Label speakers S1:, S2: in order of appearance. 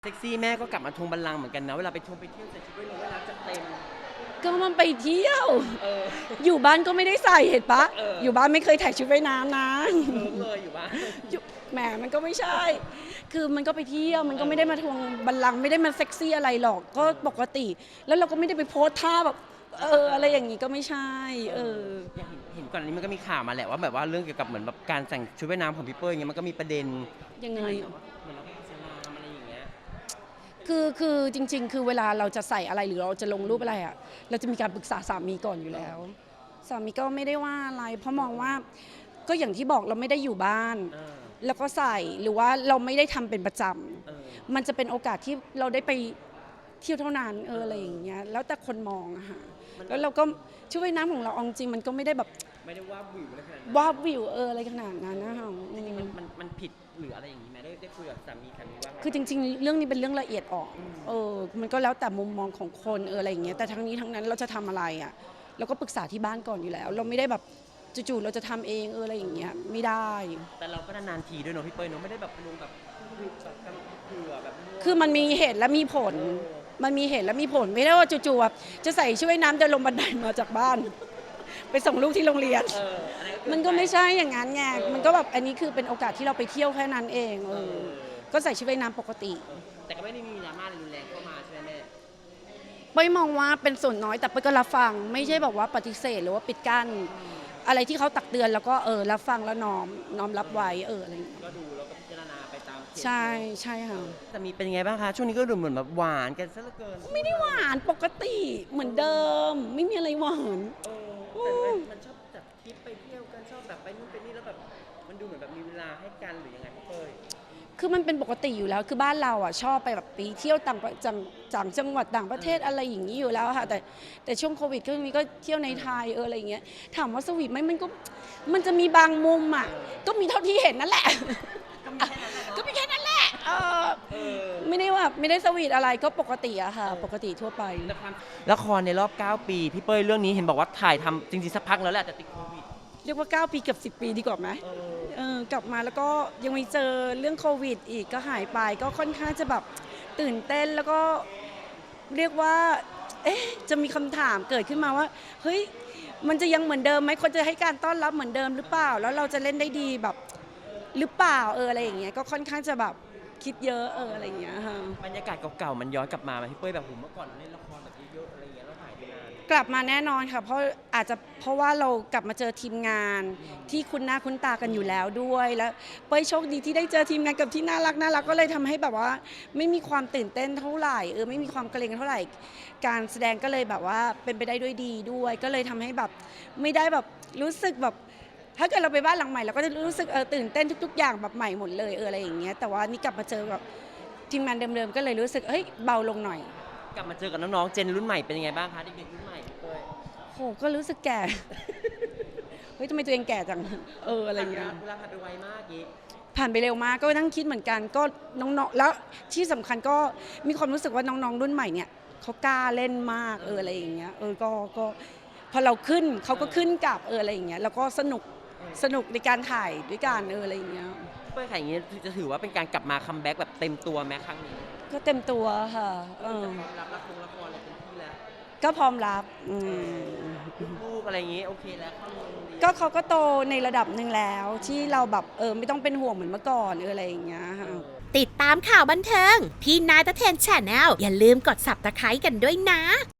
S1: เซ็กซี่แม่ก็กลับมาทวงบัลลังก์เหมือนกันนะเวลาไปเที่ยวใส่ชุดว่ายน้ำว่ายน้ำจัดเต็ม
S2: ก็มันไปเที่ยว
S1: เออ
S2: อยู่บ้านก็ไม่ได้ใส่เห็นปะ
S1: เอออ
S2: อยู่บ้านไม่เคยถ่ายชุดว่ายน้ำนะ
S1: เลยอยู่บ้าน
S2: อยู่แหมมันก็ไม่ใช่ คือมันก็ไปเที่ยวมันก็ไม่ได้มาทวงบัลลังก์ไม่ได้มาเซ็กซี่อะไรหรอกก็ปกติ แล้วเราก็ไม่ได้ไปโพสท่าแบบอะไรอย่างนี้ก็ไม่ใช่
S1: เห็นก่อนอันนี้มันก็มีข่าวมาแหละว่าแบบว่าเรื่องเกี่ยวกับเหมือนแบบการแต่งชุดว่ายน้ำของพี่เป้ยอย่างเงี้ยมันก็มีประเด็น
S2: ยังไง
S1: เหมือนเราไปอิสลามอะไรอย่างเงี้ย
S2: คือจริงๆคือเวลาเราจะใส่อะไรหรือเราจะลงรูปอะไรอ่ะเราจะมีการปรึกษาสามีก่อนอยู่แล้วสามีก็ไม่ได้ว่าอะไรเพราะมองว่าก็อย่างที่บอกเราไม่ได้อยู่บ้านแล้วก็ใส่หรือว่าเราไม่ได้ทำเป็นประจำมันจะเป็นโอกาสที่เราได้ไปเที่ยวเท่านั้นอะไรอย่างเงี้ยแล้วแต่คนมองอะค่ะแล้วเราก็ชุดว่ายน้ำของเราจริงมันก็ไม่ได้แบบ
S1: ไม่ได้ว่าวิวอะไรขนาดนั้น
S2: ว่าวิวอะไรขนาดนั้นนะคะ
S1: จริงๆมันผิดหรืออะไรอย่างนี้ไหมได้คุยกับสามีว่า
S2: คือจริงๆเรื่องนี้เป็นเรื่องละเอียดอ่อนมันก็แล้วแต่มุมมองของคนอะไรอย่างเงี้ยแต่ทั้งนี้ทั้งนั้นเราจะทำอะไรอะเราก็ปรึกษาที่บ้านก่อนอยู่แล้วเราไม่ได้แบบจู่ๆเราจะทำเองอะไรอย่างเงี้ยไม่ได้
S1: แต่เราก็นานๆทีด้วยเนาะพี่เป้ยเนาะไม่ได้แบบลงแบบเผื่อแบบ
S2: คือมันมีเหตุและมีผลมันมีเหตุและมีผลไม่ได้ว่าจู่ๆจะใส่ชุดว่ายน้ำเดินลงบันไดมาจากบ้านไปส่งลูกที่โรงเรียนมันก็ไม่ใช่อย่างนั้นไงมันก็แบบอันนี้คือเป็นโอกาสที่เราไปเที่ยวแค่นั้นเองก็ใส่ชุดว่ายน้ำปกติ
S1: แต่ก็ไม่ได้มีดราม่ารุนแรงเข้ามาใช่ไหมแม่
S2: เป้ยมองว่าเป็นส่วนน้อยแต่เป้ยก็รับฟังไม่ใช่แบบว่าปฏิเสธหรือว่าปิดกั้นอะไรที่เขาตักเตือนแล้วก็รับฟังแล้วน้อมรับไว้อะไรอย่างเงี้ย
S1: ก็ดูแล้วก็พิจารณาไปตาม
S2: ใช่ค่ะ
S1: แต่มีเป็นไงบ้างคะช่วงนี้ก็ดูเหมือนแบบหวานกันซะเหลือเกิน
S2: ไม่ได้หวานปกติเหมือนเดิมไม่มีอะไรหวาน
S1: แต่มันชอบจัดทริปไปเที่ยวกันชอบแบบไปนู่นไปนี่แล้วแบบมันดูเหมือนแบบมีเวลาให้กันหรือยังไงพี่เป้ย
S2: คือมันเป็นปกติอยู่แล้วคือบ้านเราอ่ะชอบไปแบบไปเที่ยวต่างจังหวัดต่างประเทศอะไรอย่างนี้อยู่แล้วค่ะแต่ช่วงโควิดก็มีก็เที่ยวในไทยอะไรอย่างเงี้ยถามว่าสวีทไหมมันจะมีบางมุมอ่ะก็มีเท่าที่เห็นนั่นแหละก็มีแค่นั้นแหละไม่ได้ว่าไม่ได้สวีทอะไรก็ปกติอะค่ะปกติทั่วไป
S1: ละครในรอบ9ปีพี่เป้ยเรื่องนี้เห็นบอกว่าถ่ายทำจริงๆสักพักแล้วแหละแต่ติดโควิด
S2: เรียกว่า9 ปีเกือบ10 ปีดีกว่าไหมกลับมาแล้วก็ยังมีเจอเรื่องโควิดอีกก็หายไปก็ค่อนข้างจะแบบตื่นเต้นแล้วก็เรียกว่าจะมีคำถามเกิดขึ้นมาว่าเฮ้ยมันจะยังเหมือนเดิมไหมคนจะให้การต้อนรับเหมือนเดิมหรือเปล่าแล้วเราจะเล่นได้ดีแบบหรือเปล่าอะไรอย่างเงี้ยก็ค่อนข้างจะแบบคิดเยอะอะไรอย่างเงี้ยค่ะ
S1: บรรยากาศเก่าๆมันย้อนกลับมาไหมพี่เป้ยแบบผมเมื่อก่อนเล่นละครแบบเยอะๆอะไรอย่างเงี้ยแล้วถ่ายไปนาน
S2: กลับมาแน่นอนค่ะเพราะอาจจะเพราะว่าเรากลับมาเจอทีมงานที่คุ้นหน้าคุ้นตากันอยู่แล้วด้วยแล้วเป้ยโชคดีที่ได้เจอทีมงานกับที่น่ารักก็เลยทำให้แบบว่าไม่มีความตื่นเต้นเท่าไหร่ไม่มีความเกรงเท่าไหร่การแสดงก็เลยแบบว่าเป็นไปได้ด้วยดีด้วยก็เลยทำให้แบบไม่ได้แบบรู้สึกแบบถ้าเกิดเราไปบ้านหลังใหม่เราก็จะรู้สึกตื่นเต้นทุกๆอย่างแบบใหม่หมดเลยอะไรอย่างเงี้ยแต่ว่านี่กลับมาเจอกับทีมงานเดิมๆก็เลยรู้สึกเบาลงหน่อย
S1: กลับมาเจอกับน้องๆเจนรุ่นใหม่เป็นยังไงบ้างคะเด็กๆรุ่นใหม่พี่เป้ย
S2: โหก็รู้สึกแก่เฮ้ยทำไมตัวเองแก่จังอะไรเงี้ย
S1: เวลาผ่านไปไวมากยี่
S2: ผ่านไปเร็วมากก็นั่งคิดเหมือนกันก็น้องๆแล้วที่สำคัญก็มีความรู้สึกว่าน้องๆรุ่นใหม่เนี่ยเขากล้าเล่นมากอะไรอย่างเงี้ยก็พอเราขึ้นเขาก็ขึ้นกับอะไรอย่างเงี้ยแล้วก็สนุกในการถ่ายด้วยกันอะไรอย่างเงี้ย
S1: เป้ยถ่ายอย่างงี้จะถือว่าเป็นการกลับมาคัมแบ็กแบบเต็มตัวไหมครั้งนี้
S2: ก็เต็มตัวค่ะ
S1: รับละครอะไรเต็มที่แล้ว
S2: ก็พร้อมรับ
S1: ลูกอะไรอย่างงี้โอเคแล้ว
S2: ก็เขาก็โตในระดับหนึ่งแล้วที่เราแบบไม่ต้องเป็นห่วงเหมือนเมื่อก่อนอะไรอย่างเงี้ยค่ะ
S3: ติดตามข่าวบันเทิงพี่นายตะเทน Channel อย่าลืมกด Subscribe กันด้วยนะ